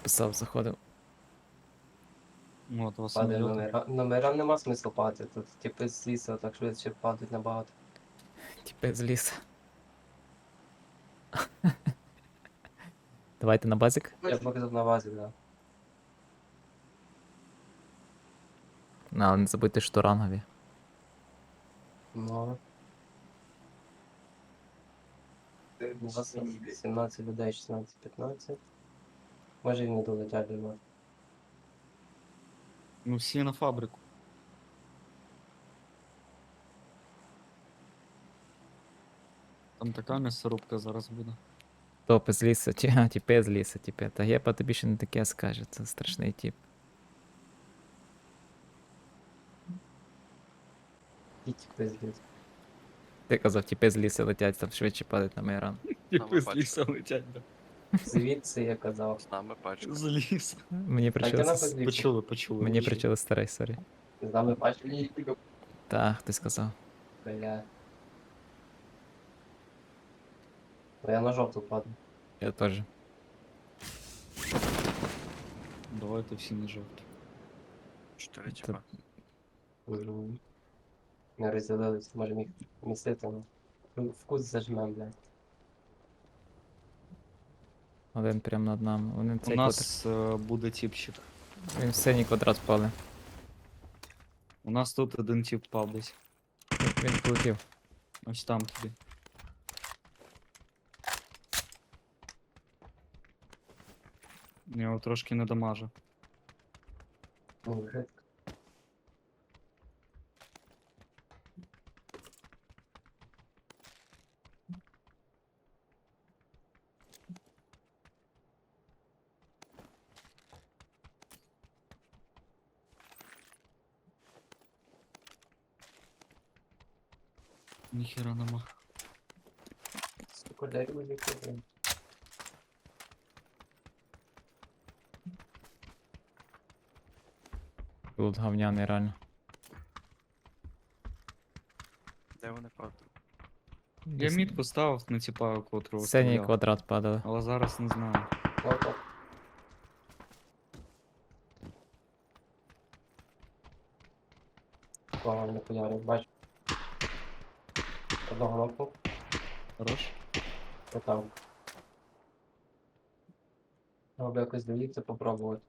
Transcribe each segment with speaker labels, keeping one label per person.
Speaker 1: писав, заходив.
Speaker 2: От вас
Speaker 3: Падає
Speaker 2: самоліти.
Speaker 3: номерам нема смислу падати. Тут типи з лісу так швидше падають набагато.
Speaker 1: Тіпи з лісу. Давайте на базик.
Speaker 3: Я показав на базі, да.
Speaker 1: Але не забудьте, що рангові.
Speaker 3: Ну. У вас 17 людей, 16-15. Може і не долетять до нас.
Speaker 2: Ну всі на фабрику. Там така м'ясорубка зараз буде.
Speaker 1: Топи з лісу, тіпи з лісу, тіпи. Та Гепа тобі ще не таке скаже, це страшний тіп.
Speaker 3: І типи з лісу.
Speaker 1: Ти казав, тіпи з лісу летять, там швидше падають на Майран.
Speaker 2: Типи з
Speaker 4: пачка.
Speaker 2: лісу летять, да.
Speaker 3: Звідси я казав.
Speaker 4: З нами пачка.
Speaker 2: З лісу.
Speaker 1: Мені
Speaker 3: А йди
Speaker 1: причили,
Speaker 3: на позицію.
Speaker 2: Почули.
Speaker 1: мені причили старий, сорі.
Speaker 3: З нами пачка.
Speaker 1: Та, хтось сказав.
Speaker 3: Бля. Ну, я на жовту падаю.
Speaker 1: Я теж.
Speaker 2: Давайте всі на жовті.
Speaker 4: 4 типа.
Speaker 3: Ми розділились, можемо їх містити, ну. Вкус зажмем, блядь.
Speaker 1: Один прямо над нами. Вони
Speaker 2: У
Speaker 1: цей
Speaker 2: нас буде тіпчик.
Speaker 1: квадрат. Він в синій квадрат впали.
Speaker 2: У нас тут один тіп впав десь.
Speaker 1: Він полетів.
Speaker 2: Ось там тобі. Я його трошки не дамажу.
Speaker 3: Ну, вже.
Speaker 2: Ніхера нема.
Speaker 3: Сука, дай рюкзак, блядь.
Speaker 1: Тут говняний реально.
Speaker 4: Де вони падали?
Speaker 2: Я мід поставив на тіпа, котрого
Speaker 1: Синій
Speaker 2: стріляв.
Speaker 1: квадрат падали.
Speaker 2: Але зараз не знаю.
Speaker 3: Опа. Кого не поярив, бачу. Одного лопу,
Speaker 2: Хорош?
Speaker 3: то там. Треба якось доїхати, попробувати.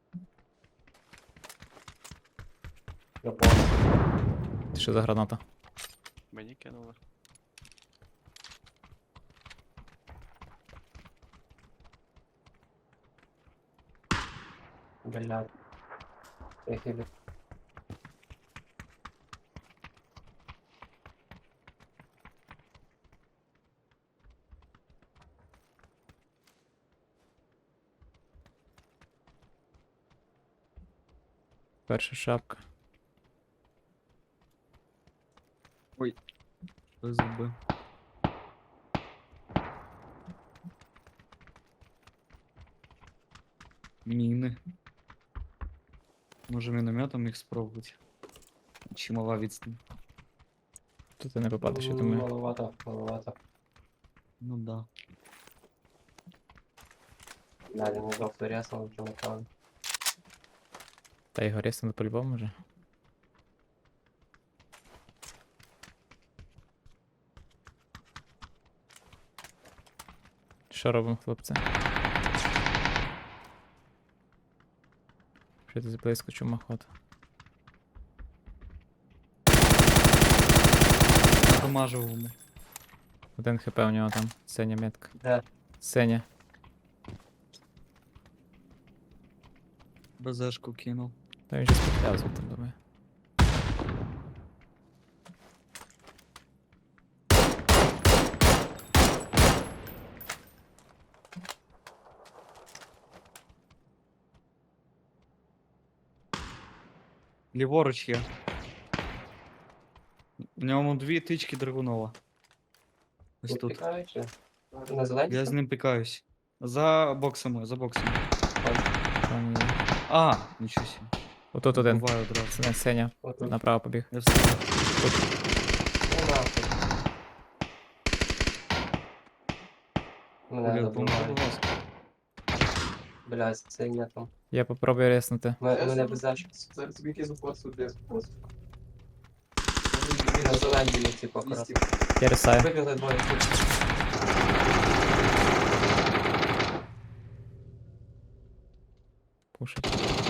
Speaker 3: Я понял.
Speaker 1: Ти що за граната?
Speaker 4: Мені кинули.
Speaker 3: Блядь. Я хилю.
Speaker 1: Перша шапка.
Speaker 2: Що зуби? Міни. Може мінометом їх спробувати. Чи мала відстань?
Speaker 1: Тут ти не попадеш, я думаю.
Speaker 3: Маловато, маловато.
Speaker 2: Ну да.
Speaker 3: Далі не доктор ясно, що напевно.
Speaker 1: Та його рісно по-любому вже. Що робимо, хлопці? Що ти близько чумоход?
Speaker 2: Помажу йому.
Speaker 1: Один хп у нього там, синя метка.
Speaker 3: Де?
Speaker 1: Синя.
Speaker 2: БЗшку кинув.
Speaker 1: Та він же спіхляв звідти, думаю.
Speaker 2: Ліворуч є. В ньому 2 тички драгунова. Ось
Speaker 3: Тут
Speaker 2: тут.
Speaker 3: пікаючи? На зеленці?
Speaker 2: Я з ним пикаюсь. За боксами, за боксами.
Speaker 1: Там є.
Speaker 2: А, нічого себе.
Speaker 1: Отут один.
Speaker 2: Буває одразу.
Speaker 1: Синя,
Speaker 3: Отут.
Speaker 1: направо побіг.
Speaker 2: Я встиг.
Speaker 3: Ну нахуй. Мене
Speaker 2: Блін, поможи,
Speaker 3: забивають.
Speaker 2: будь ласка.
Speaker 3: Блядь, це не там.
Speaker 1: Я попробую резнути.
Speaker 3: Мене без зачіпки.
Speaker 5: Зараз тобі якийсь упор сюди.
Speaker 3: На зеленій, типу, акуратно.
Speaker 1: Я рисаю.
Speaker 3: Вибігли двоє.
Speaker 1: Пушить.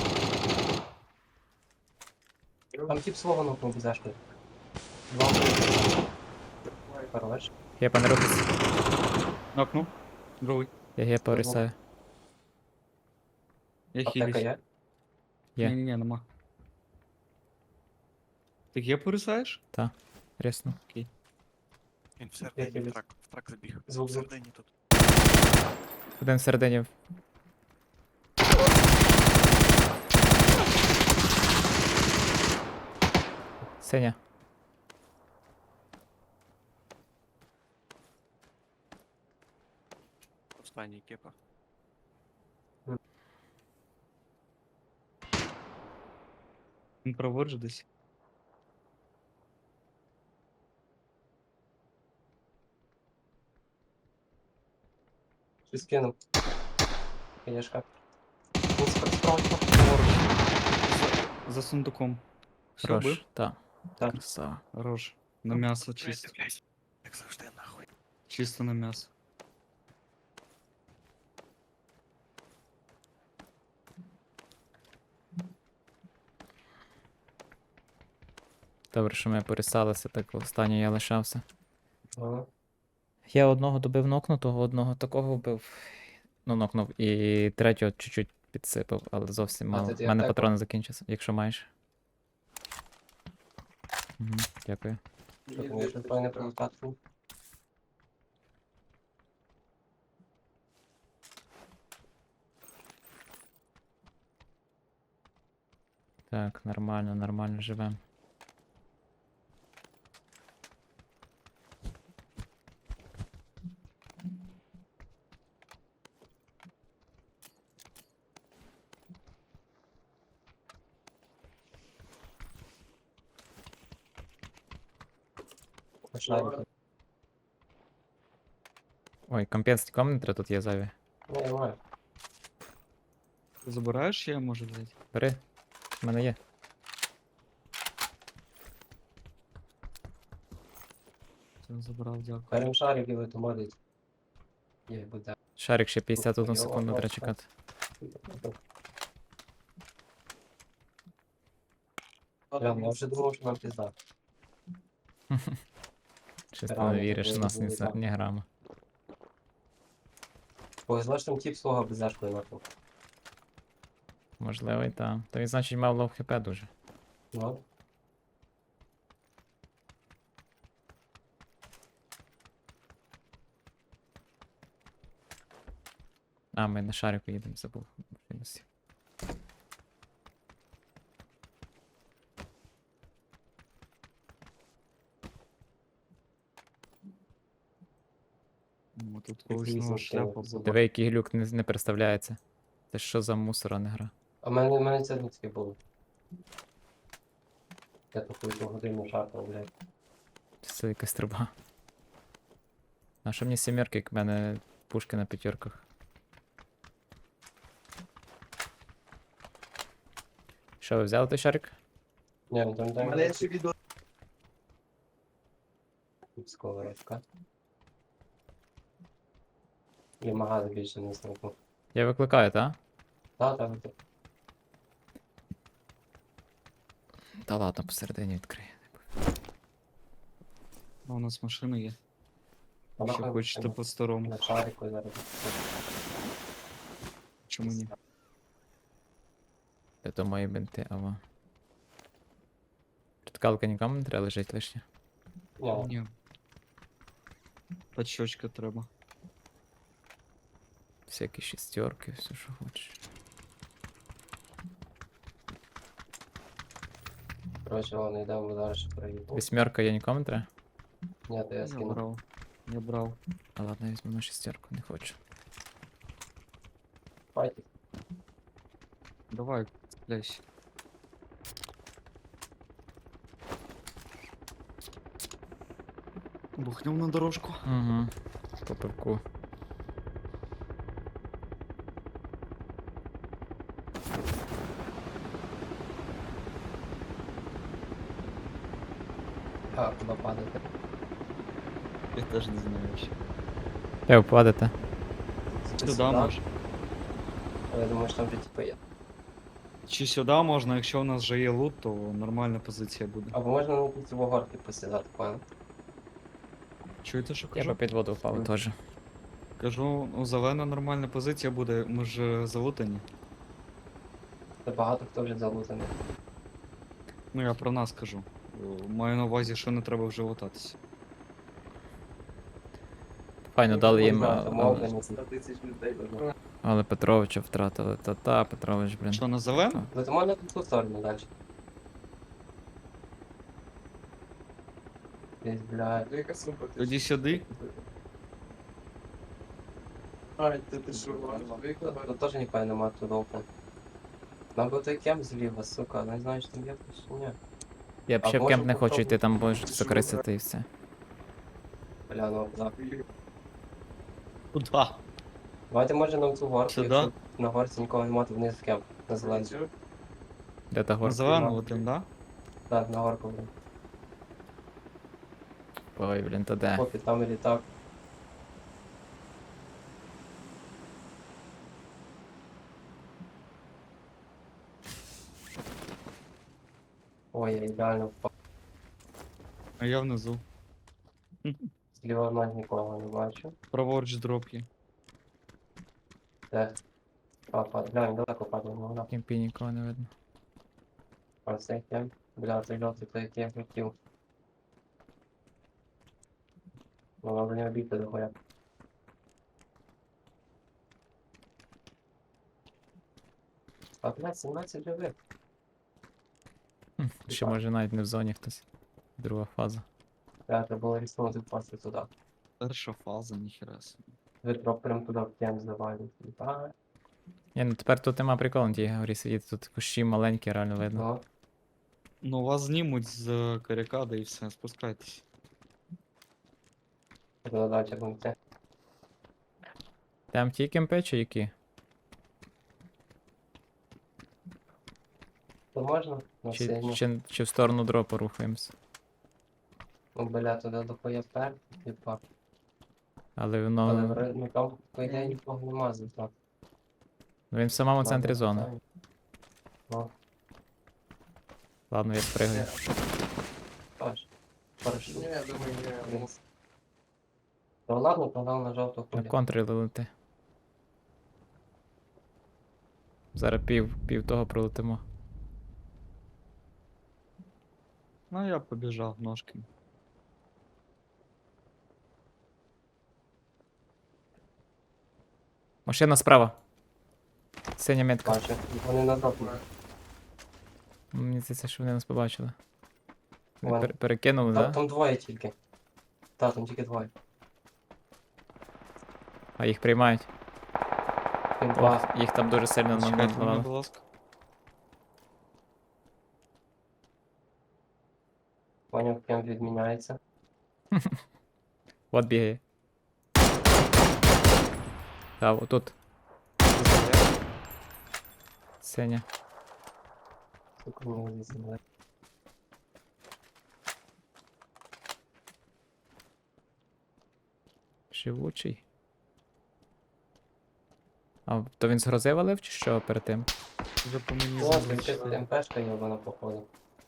Speaker 3: Там тип свого нокнув без зашки. Два вбили. Хорош.
Speaker 1: Гепа не рухайся.
Speaker 2: Нокнув. Другий.
Speaker 1: Я гепа рисаю.
Speaker 2: Я
Speaker 3: Аптека
Speaker 2: хілюсь.
Speaker 3: є?
Speaker 1: Є.
Speaker 2: Ні, нема. Ти є порисаєш?
Speaker 1: Ресну.
Speaker 4: Він всередині
Speaker 3: Я
Speaker 4: в трак забіг.
Speaker 3: Звук.
Speaker 4: Всередині тут.
Speaker 1: Один всередині. Сеня.
Speaker 4: Останній кепа.
Speaker 2: Він проводжу десь.
Speaker 3: Щось кинув. Конечно. Він справа.
Speaker 2: За сундуком. Все,
Speaker 1: Хорош.
Speaker 2: бив?
Speaker 1: Так.
Speaker 3: Так.
Speaker 1: Красава.
Speaker 2: Хорош. На м'ясо чисто.
Speaker 4: Блядь, як завжди нахуй.
Speaker 2: Чисто на м'ясо.
Speaker 1: Добре, що ми порисалися, так останній я лишався.
Speaker 3: Ага.
Speaker 1: Я одного добив нокнутого, одного такого вбив. Ну, нокнув. І третього чуть-чуть підсипав, але зовсім мало.
Speaker 3: тоді
Speaker 1: У мене
Speaker 3: аптеку?
Speaker 1: патрони закінчаться, якщо маєш. Угу, дякую.
Speaker 3: Щоб мені щось не провокати.
Speaker 1: Так, нормально, нормально живем.
Speaker 3: Шарики.
Speaker 1: Ой, компенс нікому не треба, тут є зайві.
Speaker 3: Ну, я маю.
Speaker 2: Ти забираєш, я можу взяти.
Speaker 1: Бери, в мене є.
Speaker 2: Все, забрав, дякую.
Speaker 3: Берем шарики, ви то модить. Є, буде.
Speaker 1: Шарик ще 51
Speaker 3: Ой,
Speaker 1: секунду
Speaker 3: ой,
Speaker 1: треба
Speaker 3: ой.
Speaker 1: чекати.
Speaker 3: Прям, я вже думав, що нам пізда.
Speaker 1: Щось ти
Speaker 3: Реально,
Speaker 1: не віриш,
Speaker 3: такого
Speaker 1: у нас
Speaker 3: не було, так.
Speaker 1: ні грама.
Speaker 3: Повезло, що там тип свого без зашкою нахуй.
Speaker 1: Можливо, і так. То він, значить, мав лов хп дуже.
Speaker 3: Ну,
Speaker 1: А, ми на шарику їдемо, забув. Мінус.
Speaker 2: О, тут
Speaker 3: Такий
Speaker 2: когось нова
Speaker 3: звук,
Speaker 2: шляпа
Speaker 3: звук.
Speaker 2: була.
Speaker 1: Диви, який глюк не представляється. Це що за мусора не гра?
Speaker 3: а в мене це не таке було. Я таку одну годину шарпав, блядь.
Speaker 1: Це якась труба. А що мені сімерки, як в мене пушки на п'ятерках? Що, ви взяли той шарик?
Speaker 3: Ні, ну там
Speaker 5: У
Speaker 3: дай
Speaker 5: мене є ще відео.
Speaker 3: сковородка. І магаз більше не знайду.
Speaker 1: Я викликаю, так?
Speaker 3: Так.
Speaker 1: Та ладно, посередині відкрию.
Speaker 2: А у нас машина є.
Speaker 3: Вона
Speaker 2: Ще
Speaker 3: хай
Speaker 2: хочете
Speaker 3: машина.
Speaker 2: по-старому.
Speaker 3: На шарику зараз.
Speaker 2: Чому ні?
Speaker 1: Це мої бинти, ава. Ткалка нікому не треба лежить лишня.
Speaker 3: Ні,
Speaker 2: Ні. Пачочка треба.
Speaker 1: Всякі шістерки, все що хочеш.
Speaker 3: коротше, ладно, йдемо зараз ще проїду.
Speaker 1: Вісьмерка я нікому не треба?
Speaker 3: Ні, то я
Speaker 2: Я
Speaker 3: скину.
Speaker 2: брав. Я брав.
Speaker 1: А ладно, я візьму на шістерку, не хочу.
Speaker 3: Файтик.
Speaker 2: Давай, цепляйся. Бухнем на дорожку.
Speaker 1: Угу. По пивку.
Speaker 3: А, куди падати?
Speaker 2: Я теж не знаю ще.
Speaker 1: Де ви падете?
Speaker 2: Сюди може.
Speaker 3: Але я думаю, що там вже типу є.
Speaker 2: Чи сюди можна, якщо у нас вже є лут, то нормальна позиція буде.
Speaker 3: Або можна на ці горки посідати, понял?
Speaker 2: Чуєте, що
Speaker 1: Я
Speaker 2: кажу?
Speaker 1: би під воду впав
Speaker 2: Ой.
Speaker 1: теж.
Speaker 2: Кажу, ну зелена нормальна позиція буде, ми ж залутані.
Speaker 3: Це багато хто вже залутаний.
Speaker 2: Ну я про нас кажу. Маю на увазі, що не треба вже лутатися.
Speaker 1: Файно дали їм,
Speaker 3: Мовлені.
Speaker 1: але Петровича втратили. Та Петрович, блін.
Speaker 2: Що, на зелену?
Speaker 1: Так.
Speaker 3: Ну то можна тут ту сторону далі. Десь, блядь.
Speaker 2: Тоді сюди.
Speaker 3: Тут теж ніхуя нема тут опен. Нам би той кемп зліва, сука, не знаю, що там є, чи ні.
Speaker 1: Я б
Speaker 3: А
Speaker 1: ще в
Speaker 3: може
Speaker 1: кемп не хочу йти,
Speaker 3: попробуй-
Speaker 1: там будеш закрисити і все.
Speaker 3: Бля, ну, да.
Speaker 2: Куда?
Speaker 3: Давайте може на цю горку,
Speaker 2: Сюди?
Speaker 3: якщо на горці нікого немає, то вниз в кемп, на зелену.
Speaker 1: Де та
Speaker 2: На
Speaker 1: горка?
Speaker 2: зелену летим, да?
Speaker 3: Так, на горку, блін.
Speaker 1: Ой, блін, та де?
Speaker 3: Попі, там і літак. Ой, я ідеально впав.
Speaker 2: А я внизу.
Speaker 3: Зліва навіть нікого не бачу.
Speaker 2: Праворуч дроп є.
Speaker 3: Де? Глянь, далеко падає, ну,
Speaker 1: В кемпі нікого не видно.
Speaker 3: а цей кемп. Бля, цей жовтий, той який я хотів. Ну, надо не обійти дохуя. А, блядь, 17 живих.
Speaker 1: Ще
Speaker 3: Так.
Speaker 1: може навіть не в зоні хтось. Друга фаза.
Speaker 3: Бля, треба було ріснути впасти туди.
Speaker 2: Перша фаза, ніхера собі.
Speaker 3: Витроп прям туди в кемп завалить. Так,
Speaker 1: Ні, ну тепер тут нема приколу на тій горі сидіти, тут кущі маленькі, реально видно.
Speaker 3: ну.
Speaker 2: Ну вас знімуть з карикади і все, спускайтесь.
Speaker 3: Туди далі будемо йти.
Speaker 1: Там ті кемпи чи які?
Speaker 3: То можна? На
Speaker 1: Чи,
Speaker 3: синю.
Speaker 1: чи в сторону дропу рухаємось?
Speaker 3: Ну, бля, туди дохуя вперед, типа.
Speaker 1: Але
Speaker 3: Але
Speaker 1: воно.
Speaker 3: ну, там, по ідеї, нікого нема звідти.
Speaker 1: Він в самому центрі зони.
Speaker 3: Ну,
Speaker 1: Ладно, я спригаю.
Speaker 3: тож. Парашут. Вниз. Ну ладно, погнав на жовту
Speaker 1: На
Speaker 3: хулі.
Speaker 1: контрі лети. Зараз пів того пролетимо.
Speaker 2: Ну я побіжав ножки.
Speaker 1: Машина справа. Синя метка.
Speaker 3: Бачу, вони на жовту.
Speaker 1: Мені здається, що вони нас побачили. Вони
Speaker 3: Ладно.
Speaker 1: перекинули,
Speaker 3: Там,
Speaker 1: так? Да?
Speaker 3: там двоє тільки. Так, там тільки двоє.
Speaker 1: А їх приймають.
Speaker 3: Він
Speaker 1: О,
Speaker 3: два.
Speaker 1: їх там дуже сильно
Speaker 2: Чекайте мене,
Speaker 1: назвали.
Speaker 2: будь ласка.
Speaker 3: Поняв, кемп відміняється.
Speaker 1: От бігає. Так, отут. Синя.
Speaker 3: Сука, мені зізнали.
Speaker 1: Живучий. А то він з грози валив чи що перед тим?
Speaker 2: Вже по мені
Speaker 3: О,
Speaker 2: зазвичай.
Speaker 3: МПшка йобана походу.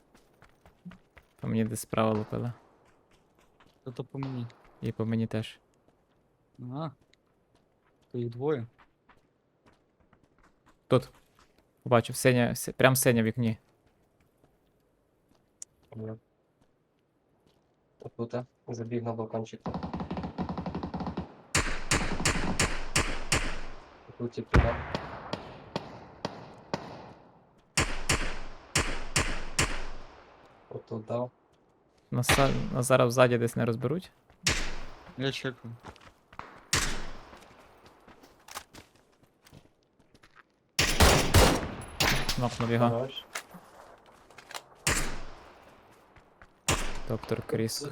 Speaker 1: По мені десь справа лупила.
Speaker 2: Це по мені.
Speaker 1: І по мені теж.
Speaker 2: Ага. То їх двоє.
Speaker 1: Тут. Побачив, синя, прям синя в вікні.
Speaker 3: Отут забіг на балкончик. Тут тільки туди. Отут дав.
Speaker 1: Нас зараз ззаді десь не розберуть.
Speaker 2: Я чекаю.
Speaker 1: Нокнув його.
Speaker 3: Хорош.
Speaker 1: Доктор Кріс.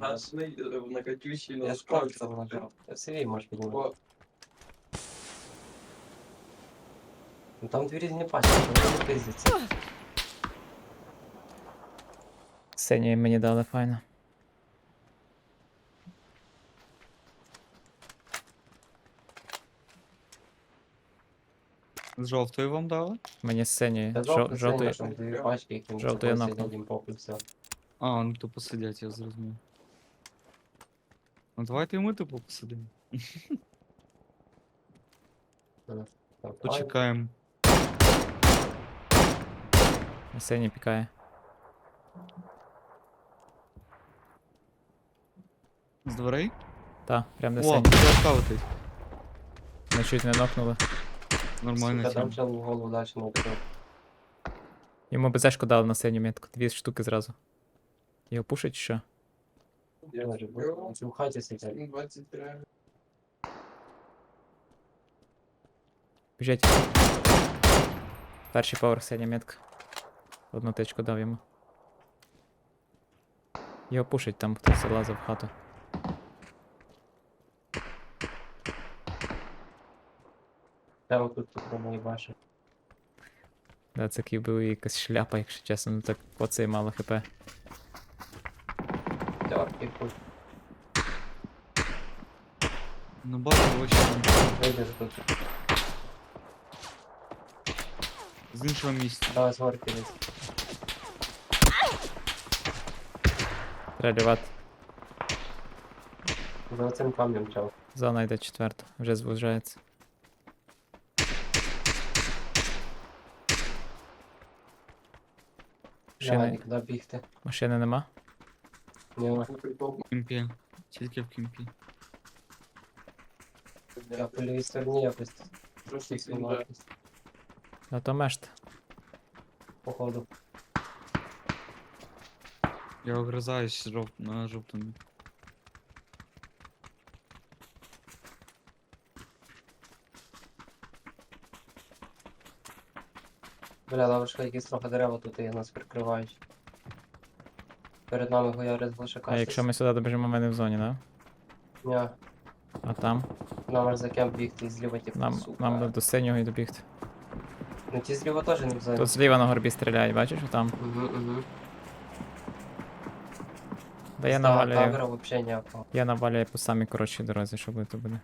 Speaker 3: Я ж кажу, це нажав. Ти в CV можеш піднімати. Ну там дві різні пачки, вони не пиздяться.
Speaker 1: Синя мені дали файно.
Speaker 2: З жовтої вам дали?
Speaker 1: Мені з синьої.
Speaker 3: Та жовтий,
Speaker 1: Жовтої.
Speaker 3: там дві пачки, які ми
Speaker 1: жовту я
Speaker 3: собою
Speaker 1: нокнув.
Speaker 3: сидять, їм похуй, все.
Speaker 2: А, ну то посидять, я зрозумів. Ну давайте і ми типу посидимо.
Speaker 3: Там файт.
Speaker 2: Почекаємо.
Speaker 1: На синій пікає.
Speaker 2: З дверей?
Speaker 1: Та, прям на
Speaker 2: О,
Speaker 1: синій.
Speaker 2: ПЗшка летить.
Speaker 1: Ми чуть не нокнули.
Speaker 2: Нормальна
Speaker 3: Сука, там
Speaker 2: тема.
Speaker 3: чел в голову далі не вбив.
Speaker 1: Йому БЗшку дали на синю метку. 2 штуки зразу. Його пушить чи що?
Speaker 3: Може, бо в хаті сидять.
Speaker 1: Біжить. Перший поверх синя метка. Одну тичку дав йому. Його пушить, там хтось залазив в хату.
Speaker 3: Там тут мої баші.
Speaker 1: Да, це був якась шляпа, якщо чесно, ну так оцей мало хп.
Speaker 3: Терки, хуй.
Speaker 2: Ну бачу, вообще
Speaker 3: Вийдеш тут.
Speaker 2: з іншого місця.
Speaker 3: Давай з горки десь.
Speaker 1: Треба лівати.
Speaker 3: За цим камнем чел.
Speaker 1: Зона йде четверта, вже звужається.
Speaker 3: Давай,
Speaker 1: Машини,
Speaker 3: нікуди бігти.
Speaker 1: машини нема?
Speaker 3: Ні,
Speaker 2: В кімпі. Тільки в кімпі.
Speaker 3: я по лівій стороні якось. Трошки якось,
Speaker 1: А то мешт.
Speaker 3: походу.
Speaker 2: Я огризаюсь на жовтому.
Speaker 3: Бля, лавочка, якісь трохи дерева тут і нас прикривають. Перед нами гояри з глушака.
Speaker 1: А якщо ми сюди добіжимо, ми не в зоні, да?
Speaker 3: Ні,
Speaker 1: А там?
Speaker 3: нам аж за кемп бігти і зліва типу,
Speaker 1: Нам
Speaker 3: сука.
Speaker 1: би до синього і добігти.
Speaker 3: Ну ті зліва теж не в зоні.
Speaker 1: Тут зліва на горбі стріляють, бачиш, там.
Speaker 3: Угу.
Speaker 1: Да я навалюю.
Speaker 3: Тавера вообще ніякого.
Speaker 1: Я навалюю по самій коротшій дорозі, що буде, то буде.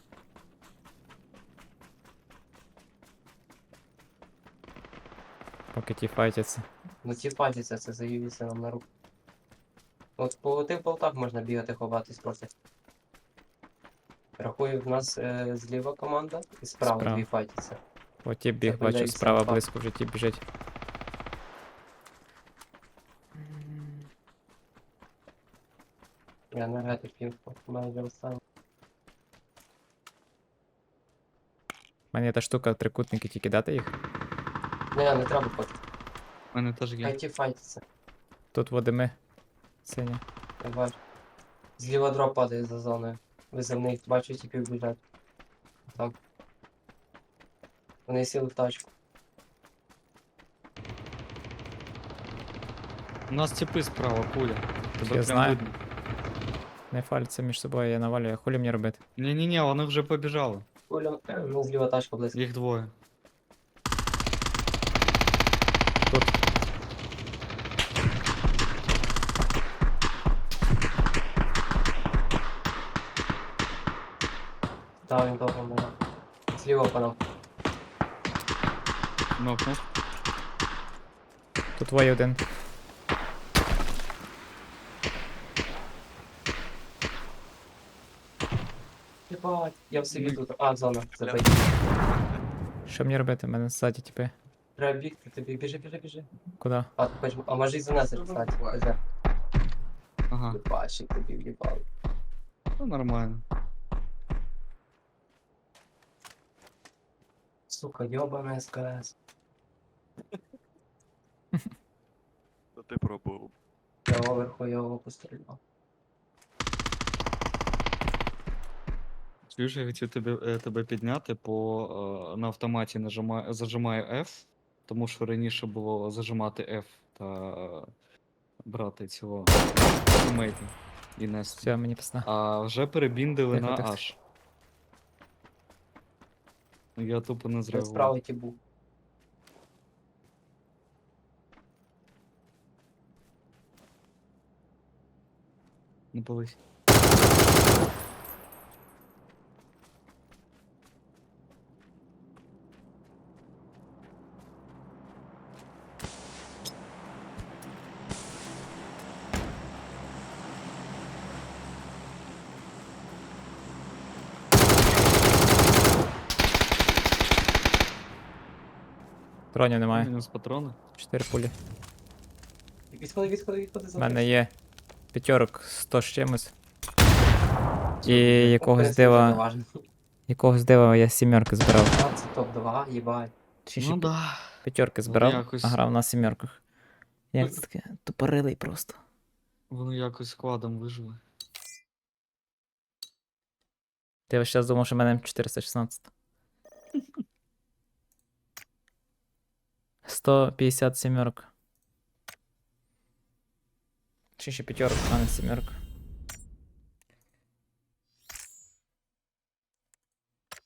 Speaker 1: Поки ті файтяться.
Speaker 3: Ну ті патяться, це заївіться нам на руку. От по тих болтах можна бігати, ховатись просто. Рахую, в нас зліва команда і справа
Speaker 1: Справа.
Speaker 3: дві файтяться.
Speaker 1: О, ті біг,
Speaker 3: Це
Speaker 1: бачу,
Speaker 3: подивіться
Speaker 1: справа
Speaker 3: на факт.
Speaker 1: близько вже ті біжить.
Speaker 3: Я енергетик пів, майже останній.
Speaker 1: У мене є та штука, трикутники, тільки дати їх.
Speaker 3: Не треба поки.
Speaker 2: У мене теж
Speaker 3: Хай
Speaker 2: є.
Speaker 3: ті файтяться.
Speaker 1: Тут водими. Синя.
Speaker 3: Я бачу. Зліва дроп падає за зоною. Визивний, бачу, тіпів біжать. Так. Вони сіли в тачку.
Speaker 2: У нас тіпи справа, куля. Тебе
Speaker 1: Я
Speaker 2: прям
Speaker 1: знаю.
Speaker 2: видно.
Speaker 1: Не фальться між собою, я навалюю. Хулі мені робити?
Speaker 2: Ні-ні-ні, вони вже побіжали.
Speaker 3: Оля, ну зліва тачка близько.
Speaker 2: Їх двоє.
Speaker 1: Тут.
Speaker 3: Та він довго мене. Зліва по нам.
Speaker 2: Нокнув.
Speaker 1: Тут двоє один.
Speaker 3: Єбать, я в собі тут. А, зона, забий.
Speaker 1: Що мені робити? У мене ззаді типи.
Speaker 3: Треба бігти, тобі біжи.
Speaker 1: Куди?
Speaker 3: А, ти хочеш, а може і занести, кстати. Везе.
Speaker 2: Ага.
Speaker 3: Єбачик тобі в'їбав.
Speaker 2: Ну нормально.
Speaker 3: Сука, йобана СКС.
Speaker 4: То ти пробував.
Speaker 3: Я оверху його постріляв.
Speaker 2: Чуєш, я хотів тебе підняти, на автоматі зажимаю F, тому що раніше було зажимати F та брати цього тімейта і нести.
Speaker 1: Все, мені пісна.
Speaker 2: А вже перебіндили
Speaker 1: Тихо,
Speaker 2: на
Speaker 1: тихо.
Speaker 2: H. Ну, я тупо не
Speaker 3: Я
Speaker 2: зреагував.
Speaker 3: справа ті був.
Speaker 2: Не пались.
Speaker 1: Тронів немає.
Speaker 2: Мінус патрони.
Speaker 1: 4 пулі.
Speaker 3: Відходи
Speaker 1: У
Speaker 3: за
Speaker 1: мене є п'ятерок 100 з чимось. І якогось дива я сімерки збирав.
Speaker 3: Це топ-2, їбать.
Speaker 1: Чи
Speaker 2: Ну да.
Speaker 1: п'ятерки
Speaker 2: Воно
Speaker 1: збирав,
Speaker 2: якось-
Speaker 1: а грав на сімерках. Як це таке? Тупорилий просто.
Speaker 2: Вони якось складом вижили.
Speaker 1: Ти весь час думав, що в мене М416. 157. Чи ще п'ятерок, а не сімерка.